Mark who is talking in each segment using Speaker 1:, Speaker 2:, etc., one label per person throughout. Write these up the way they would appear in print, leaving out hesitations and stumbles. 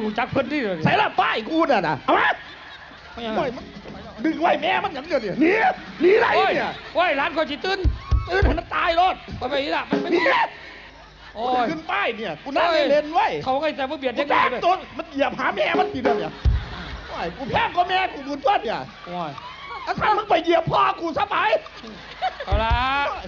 Speaker 1: รู้จักเพิ่นที่เลย
Speaker 2: ใส่ละป้ายกูน่ะนะเอามาดึงไว้แม่มันอย่างเดียวเนี่ยหนีไรเนี่ย
Speaker 1: โอ้ยร้านเขาจิตื่น
Speaker 2: ให้มันตายรถ
Speaker 1: ไปอีละมัน
Speaker 2: หนี
Speaker 1: โอ้ย
Speaker 2: ขึ้นป้ายเนี่ยกูนั่งเล่นไว้
Speaker 1: เขาก็จะมาเบียด
Speaker 2: ยังไงตัวมันเหยียบหาแม่มันตีเดียวเนี่ยโอ้ยกูแพ้ก็แม่กูบุญต้นเนี่ย
Speaker 1: โอ้ย
Speaker 2: ถ้ามึงไปเหยียบพ่อกูซะไป
Speaker 1: เอาละ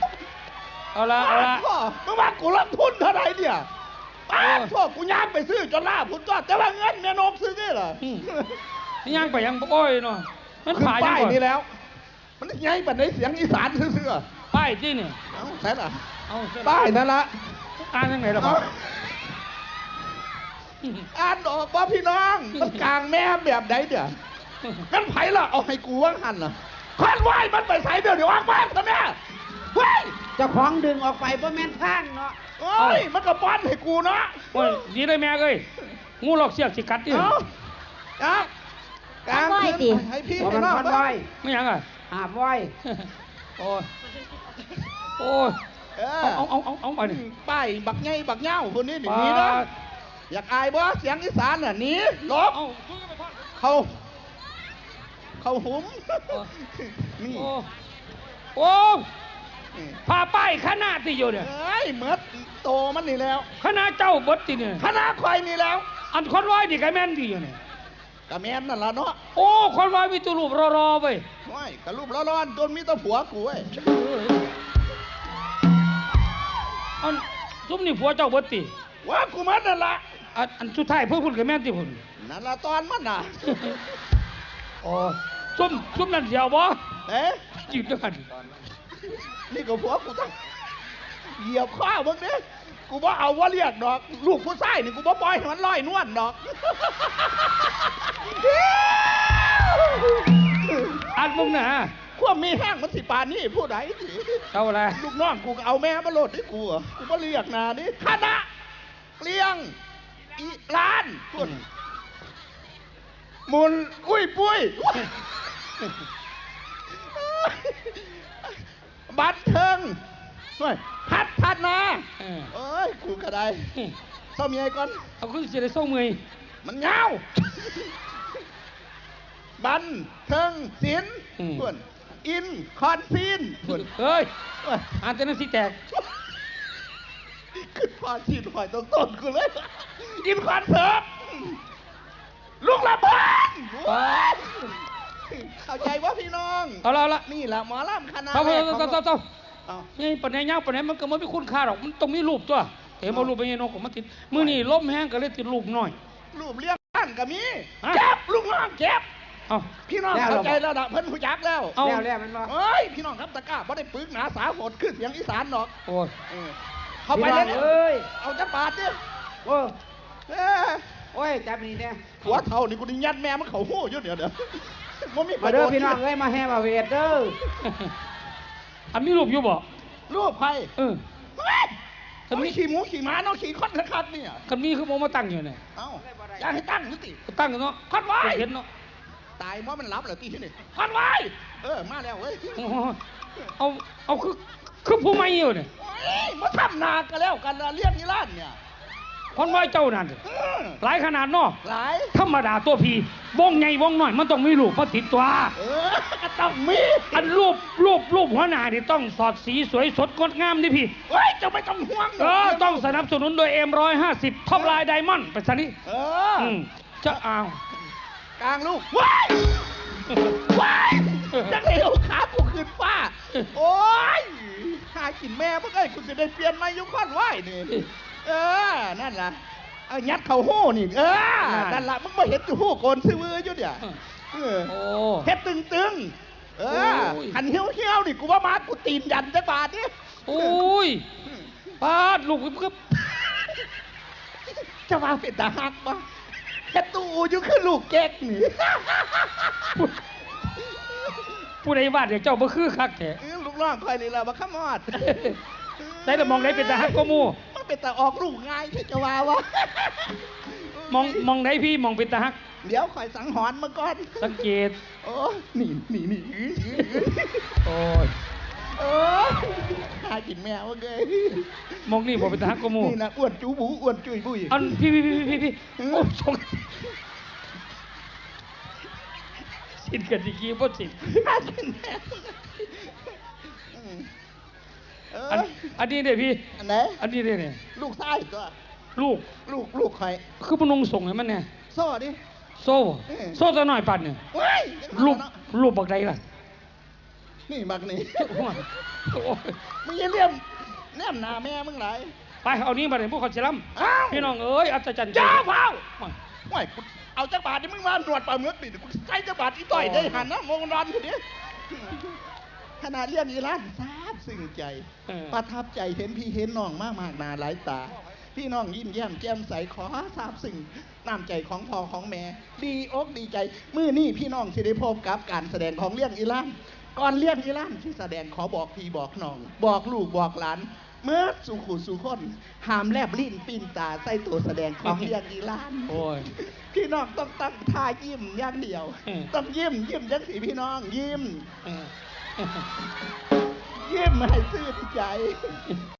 Speaker 2: พ่อมึงว่ากูรับทุนเท่าไหร่เนี่ยพ่อกูย่างไปซื้อจนล่าพุ่นต้นแต่ว่าเงินแม่นกซื้อนี่เหรอ
Speaker 1: นี่ย่างไปยังโอ้ยเนาะมัน
Speaker 2: ผ่านป้ายนี่แล้วมันไงปัดในเสียงอีสานซื่อ
Speaker 1: ป้ายที่นี่
Speaker 2: เอาใช่หรอป้ายนั่นละ
Speaker 1: อ่านยังไงล่ะพ่อ
Speaker 2: อ่านออกป่ะพี่น้องมันกลางแม่แบบไหนเดี๋ยวงั้นไผ่ละเอาให้กูว่างหันน่ะขันไหวมันไปใส่เดี๋ยวออกมาซะแม่เฮ้ย
Speaker 3: เจ้าของดึงออกไปเพราะแม่นข้างเนาะ
Speaker 2: โอ้ยมันก็ป้อนให้กูเนาะ
Speaker 1: โอ้ยดีเลยแม่เอ้ยงูหลอกเสียกสิกัดดิ
Speaker 2: กลางคืนให้พี่ให้น้อง
Speaker 3: ไว้
Speaker 1: ไม่ยังอ่ะ
Speaker 3: หาไว้
Speaker 1: โอ้ยเอาไปนี่
Speaker 2: ป้ายบักไงบักเง่าคนนี้หนีนะอยากอายบ่เสียงอีสานน่ะหนีลบเขาหุมนี่
Speaker 1: โอ้พาป้ายคณะที่อยู่เนี่ย
Speaker 2: เฮ้ยเมื่อโตมันนี่แล้ว
Speaker 1: คณะเจ้าบดที่เนี่ย
Speaker 2: คณะควายนี่แล้ว
Speaker 1: อันคนร้อยดิกระแมนดีอยู่เนี่ย
Speaker 2: กระแมนนั่นละเนาะ
Speaker 1: โอ้คนร้อยมีตัวรูปรอไป
Speaker 2: ไม่กระรูปร้อนจนมีตัวผัวกูเว้ย
Speaker 1: อันซุ่มนี่ผัวเจ้าบดตี
Speaker 2: ว่ากูมันนั่นละ
Speaker 1: อันสุดท้ายเพื่อคุณกระแมนที่คุณ
Speaker 2: นั่นละตอนมันน่ะ
Speaker 1: โอ้ซุ่มนั่นเดียวบ่จีบด้วยกัน
Speaker 2: นี่ก็ผัวกูต้องเหยียบข้าวมึงเนี่ยกูบ่เอาว่าเรียกดอกลูกผู้ชายนี่กูบ่ปล่อยให้มันลอยนวลดอก
Speaker 1: อันมึงนะ
Speaker 2: ขั้วมีแห้งมันสิปานนี่ผู้ใดสิ
Speaker 1: เอาอะไร
Speaker 2: ลูกน้องกูเอาแม่มาโหลดให้กูกูบ่เรียกนานี่คณะเกลียงอีล้านคุณมุนอุ้ยปุ้ยบันเทิงพัดนาเอ้ยกูกระไดเศร้าเมียก่อน
Speaker 1: เอาขึ้นจะได้เศร้าเมีย
Speaker 2: มันเงาบันเทิงศิลป์เพื่อนอินคอนซีนเพื่อน
Speaker 1: เฮ้ยอ่านแต่นั้นสิแตก
Speaker 2: ขึ้นพอชีดหอยต้นกูเลยอินคอนเสิร์ตลูกระเบิดเข้าใจว่าพี่น้อง
Speaker 1: เอาละ
Speaker 2: นี่แหละหมอลำคณะ
Speaker 1: นี่ปัญญาปัญญามันก็ไม่คุ้นค่าหรอกมันต้องมีรูปตัวเห็นมารูปเป็นยังนกมันติดมือนี่ล้มแห้งก็เลยติดรูปหน่อย
Speaker 2: รูปเลี้ยงบ้านก็มีเจ็บลูกน้องเจ็บพี่น้องเข้าใจแล้วนะเพิ่นผู้จักแล้ว
Speaker 3: มันว่า
Speaker 2: เฮ้ยพี่น้องครับตะก้าบ่ได้ปึกหนาสาหดขึ้นเสียงอีสานหรอก
Speaker 1: โอ้ย
Speaker 2: เข้าไปเลยเอาจะปาดดิ
Speaker 3: โอ้ยจับนี่เนี่ย
Speaker 2: หัวเท่านี่กูดิ้งยัดแม่มันเขาหู้ยุ่เดี๋ยว
Speaker 3: มาเด้อพี่น้องเอ้ยมาแห่มาเวทเด้อ
Speaker 1: อันนี้รูปอยู่บ่
Speaker 2: รูปใครถ้ามีขี่หมูขี่ม้าน้องขี่คอนคัดเนี่ย
Speaker 1: คันมีคือโมมาตั้งอยู่เนี่ย
Speaker 2: เอ้าอยากให้ตั้งนิติ
Speaker 1: ตั้งเนาะ
Speaker 2: คอนไว้
Speaker 1: เห็นเนาะ
Speaker 2: ตายเพราะมันรับเหรอตีที่นี่คอนไว้มาแล้วเว้ย
Speaker 1: เอาคือผู้ไม่อยู่เนี่ย
Speaker 2: มาทำนากันแล้วกันเรียกนี่ล้านเนี่ย
Speaker 1: คนไว้เจ้านั่นหลายขนาดเนาะ
Speaker 2: หลาย
Speaker 1: ธรรมดาตัวพีวงใหญ่วงน้อยมันต้องมีรูปมาติดตัว
Speaker 2: ก็ต้องมี
Speaker 1: อันรูปหัวหน้านี่ต้องสอดสีสวยสดงดงามดิพี่
Speaker 2: เฮ้ยจะไม่ต้องห่วง
Speaker 1: ต้องสนับสนุนโดยM150ท็อปไลน์ไดมอนด์ไปซะนี่จะเอา
Speaker 2: กลางลูกว้ายจังเลยเอาขากูขึ้นฟ้าโอ้ยหากินแม่เมื่อไงกูจะได้เปลี่ยนมายุคอนไหวนี่นั่นล่ะเอายัดเข่าหู้นี่นั่นล่ะมึงไม่เห็นอยู่หู้โกนซื้อมืออยู่เดี๋ยวเฮ็ดตึงหันเหี้ยวนี่กูว่ามากูตีนยันจะบาดนี่
Speaker 1: โอ้ยบาดลูกก็
Speaker 2: จะมาเป็นตาหักมาเฮ็ดตู้อยู่คือลูกแก๊กนี่
Speaker 1: ผู้ใดวาดเดี๋ยวเจ้าบ่คือคักแท้
Speaker 2: ลูกน้องคอยนี่ล่ะบ่ขมอด
Speaker 1: ได้แต่มองได้เป็นตาฮักก็มู่
Speaker 2: มันเป็นตาออกลูกง่ายที่จะว่าวะ
Speaker 1: มองได้พี่มองเป็นตาฮัก
Speaker 2: เดี๋ยวคอยสังหรณ์มาก่อน
Speaker 1: สังเกต
Speaker 2: โอ้นี่
Speaker 1: โอ้ย
Speaker 2: เออหากินแมวเกย
Speaker 1: มองนี่บ่เป็นทหารกมู
Speaker 2: นี่นะอ้วนจูบูอ้วนจุยบุย
Speaker 1: อันพี่โอ้สงสินกันสิกี้บ่สิน
Speaker 2: หากินแมวเอ
Speaker 1: อัน
Speaker 2: อ
Speaker 1: อันนี้เด้พี่
Speaker 2: อันไหน
Speaker 1: อันนี้เด้เนี่ย
Speaker 2: ลูกชายตัว
Speaker 1: ลูก
Speaker 2: ลูกใคร
Speaker 1: คือบ่นุ่งส่งให้มันเนี่ย
Speaker 2: โซ่ดิ
Speaker 1: โซ่บ่โซ่ตัวน้อยปันเนี่ย
Speaker 2: เว้ย
Speaker 1: ลูกบักใดล่ะ
Speaker 2: นี่บักนี่
Speaker 1: โอ้ย
Speaker 2: มึงอยังเลี่ยมแนมหน้าแม่มึงไหล
Speaker 1: ไปเอานี้มาเลยพวกเขาสิล้
Speaker 2: อ้าว
Speaker 1: ำพี่น้องเอ้ยอัศจรรย์
Speaker 2: จ้าเผา
Speaker 1: โอ้ย
Speaker 2: โอ้ยกูเอาจักรบาทนี่มึงมาหนวดปลาเมือกปิดกูใช้จักรบาทอีต่อยได้หันนะมองรันคนนี้ขนาดเรียนอีร้านทราบซึ้งใจ ประทับใจเห็นพี่เห็นน้องมากหนาหลายตา พี่น้องยิ้มแย้มแจ่มใสขอทราบซึ้งน้ำใจของพ่อของแม่ ดีอกดีใจมื้อนี้พี่น้องสิได้พบกับการแสดงของเรื่องอีร้านก่อนเรื่องอีร้านที่แสดงขอบอกพี่บอกน้อง บอกลูกบอกหลาน เมื่อสู่ขู่สู่คนหามแลบลิ้นปีนตาใส่ตัวแสดงของเรื่องอีร้าน
Speaker 1: โอ้ย
Speaker 2: พี่น้องต้องตั้งท่ายิ้มอย่างเดียว ต้องยิ้มจังสีพี่น้องยิ้ม
Speaker 1: เออ
Speaker 2: ยิ้มให้ซื่อใจ